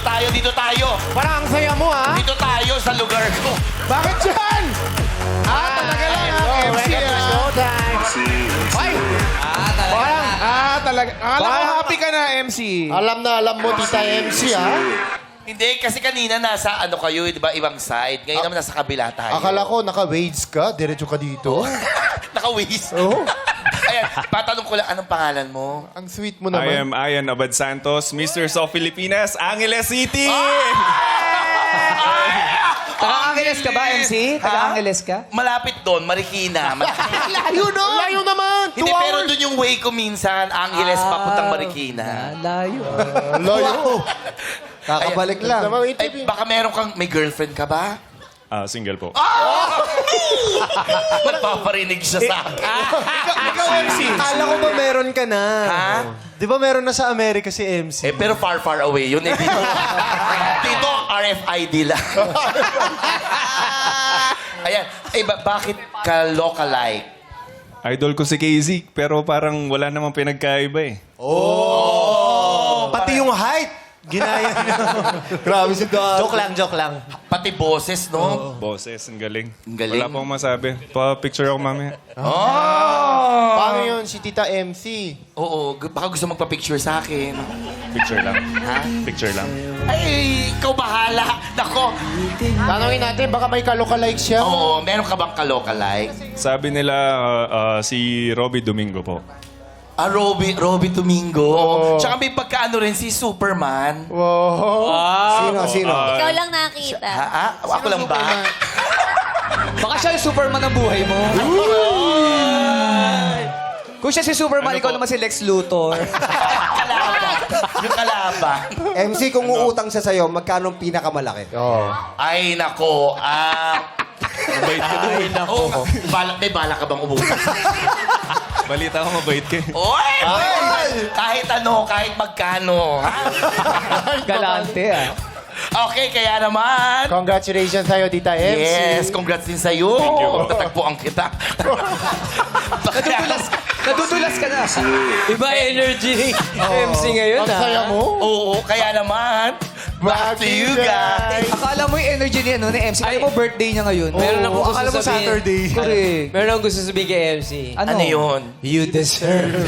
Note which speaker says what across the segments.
Speaker 1: tayo, dito tayo.
Speaker 2: Parang ang saya mo, ha?
Speaker 1: Dito tayo sa lugar ko.
Speaker 2: Bakit dyan? Talaga lang, ha? MC, ha? Ay! Talaga. Akala ko happy ka na, MC.
Speaker 3: Alam mo, Tita MC, ha?
Speaker 1: Hindi, kasi kanina nasa ano kayo, di ba, ibang side. Ngayon naman nasa kabila tayo.
Speaker 3: Akala ko, naka-wades ka. Diretso ka dito.
Speaker 1: Naka-waste.
Speaker 3: Oo.
Speaker 1: Ayan, patanong ko lang, anong pangalan mo?
Speaker 3: Ang sweet mo
Speaker 4: I
Speaker 3: naman.
Speaker 4: am Ian Abad Santos, Mr. of Filipinas, Angeles City!
Speaker 5: Taga-Angeles ka ba, MC? Taga-Angeles ka?
Speaker 1: Malapit doon, Marikina.
Speaker 3: Layo no? Layo naman.
Speaker 1: Hindi, pero doon yung way ko minsan, Angeles, papuntang Marikina.
Speaker 5: Layo.
Speaker 3: Layo. Kakabalik lang.
Speaker 1: Ay, baka meron kang, may girlfriend ka ba?
Speaker 4: Single po.
Speaker 1: Magpaparinig siya sa akin.
Speaker 3: Ikaw, MC. Akala ko ba meron ka na?
Speaker 1: Ha?
Speaker 3: Di ba meron na sa Amerika si MC?
Speaker 1: Pero far, far away yun. Eh, dito, RFID lang. Ayan. Ay, bakit ka lookalike?
Speaker 4: Idol ko si KZ, pero parang wala namang pinagkaiba eh.
Speaker 3: Pati yung height. Ginaya niya. Grabe si Dad. Joke lang.
Speaker 1: Pati boses, no?
Speaker 4: Boses, ang galing.
Speaker 1: Ang galing.
Speaker 4: Wala pong masabi. Pa-picture ako mamaya.
Speaker 3: Paano yun si Tita MC?
Speaker 1: Oo, baka gusto magpa-picture sa akin.
Speaker 4: Picture lang.
Speaker 1: Ha?
Speaker 4: Picture lang.
Speaker 1: Ay, ikaw bahala. Nako.
Speaker 3: Tanongin natin, baka may kalokalike siya.
Speaker 1: Oo, meron ka bang ka-lookalike?
Speaker 4: Sabi nila si Robbie Domingo po.
Speaker 1: Robbie Domingo. Tsaka may pagkaano rin si Superman.
Speaker 3: Wow. Sino?
Speaker 6: Ikaw lang nakita.
Speaker 1: Ako lang ba?
Speaker 5: Baka siya yung Superman ng buhay mo. Kung siya si Superman, ikaw naman si Lex Luthor.
Speaker 1: Yung kalaba.
Speaker 7: MC, kung uutang siya sa'yo, magkano ang pinakamalaki?
Speaker 1: Ay, nako.
Speaker 4: Mabait ka doon.
Speaker 1: Ay, nako. May bala ka bang umuwi?
Speaker 4: Balita ko mabait ka eh.
Speaker 1: Oy! Kahit ano, kahit magkano. Ha?
Speaker 5: Galante, ah.
Speaker 1: Okay, kaya naman.
Speaker 3: Congratulations sa'yo, Tita MC.
Speaker 1: Yes, congrats din sa'yo. Tatagpuan kita.
Speaker 5: Nadudulas ka na. Iba energy. MC ngayon,
Speaker 3: Ang saya mo.
Speaker 1: Oo, kaya naman. Back to you guys.
Speaker 5: Akala mo yung energy niya, no, ni MC. Kaya mo birthday niya ngayon.
Speaker 2: Meron akong gusto
Speaker 3: Akala mo
Speaker 2: sabihin.
Speaker 3: Saturday.
Speaker 5: Correct.
Speaker 2: Meron akong gusto sabihin kay MC.
Speaker 1: Ano yun?
Speaker 5: You deserve.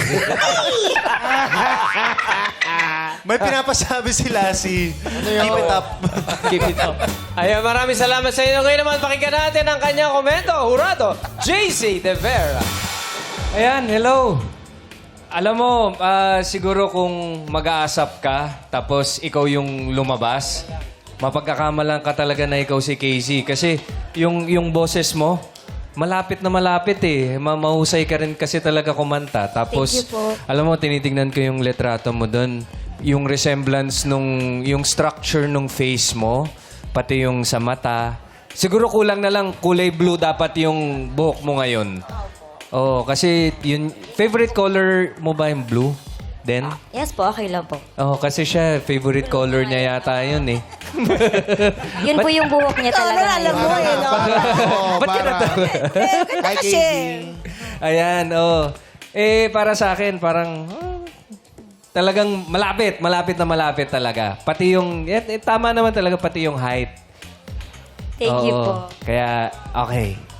Speaker 3: May pinapasabi si Lassie. Keep it up.
Speaker 5: Keep it up.
Speaker 2: Ayan, maraming salamat sa inyo. Ngayon naman, pakinggan natin ang kanyang komento. Hurado, JC De Vera. Ayan, hello. Alam mo, siguro kung mag-aasap ka, tapos ikaw yung lumabas, mapagkakamalan ka talaga na ikaw si Casey. Kasi yung boses mo, malapit na malapit eh. Mahusay ka rin kasi talaga kumanta. Tapos,
Speaker 6: Thank you po.
Speaker 2: alam mo, tinitingnan ko yung letrato mo doon. Yung resemblance yung structure nung face mo, pati yung sa mata. Siguro kulang na lang kulay blue dapat yung buhok mo ngayon. Oo, kasi yun, favorite color mo ba yung blue? Then?
Speaker 6: Yes po, okay lang po.
Speaker 2: Oo, kasi siya, favorite color niya yata yun eh.
Speaker 6: Yun po yung buhok niya talaga. Alam mo eh, no?
Speaker 2: Ba't ka natawa?
Speaker 3: Hi, Casey.
Speaker 2: Ayan, oo. Para sa akin, parang talagang malapit na malapit talaga. Pati yung, tama naman talaga, pati yung height.
Speaker 6: Thank you
Speaker 2: Oo.
Speaker 6: po.
Speaker 2: Kaya, okay.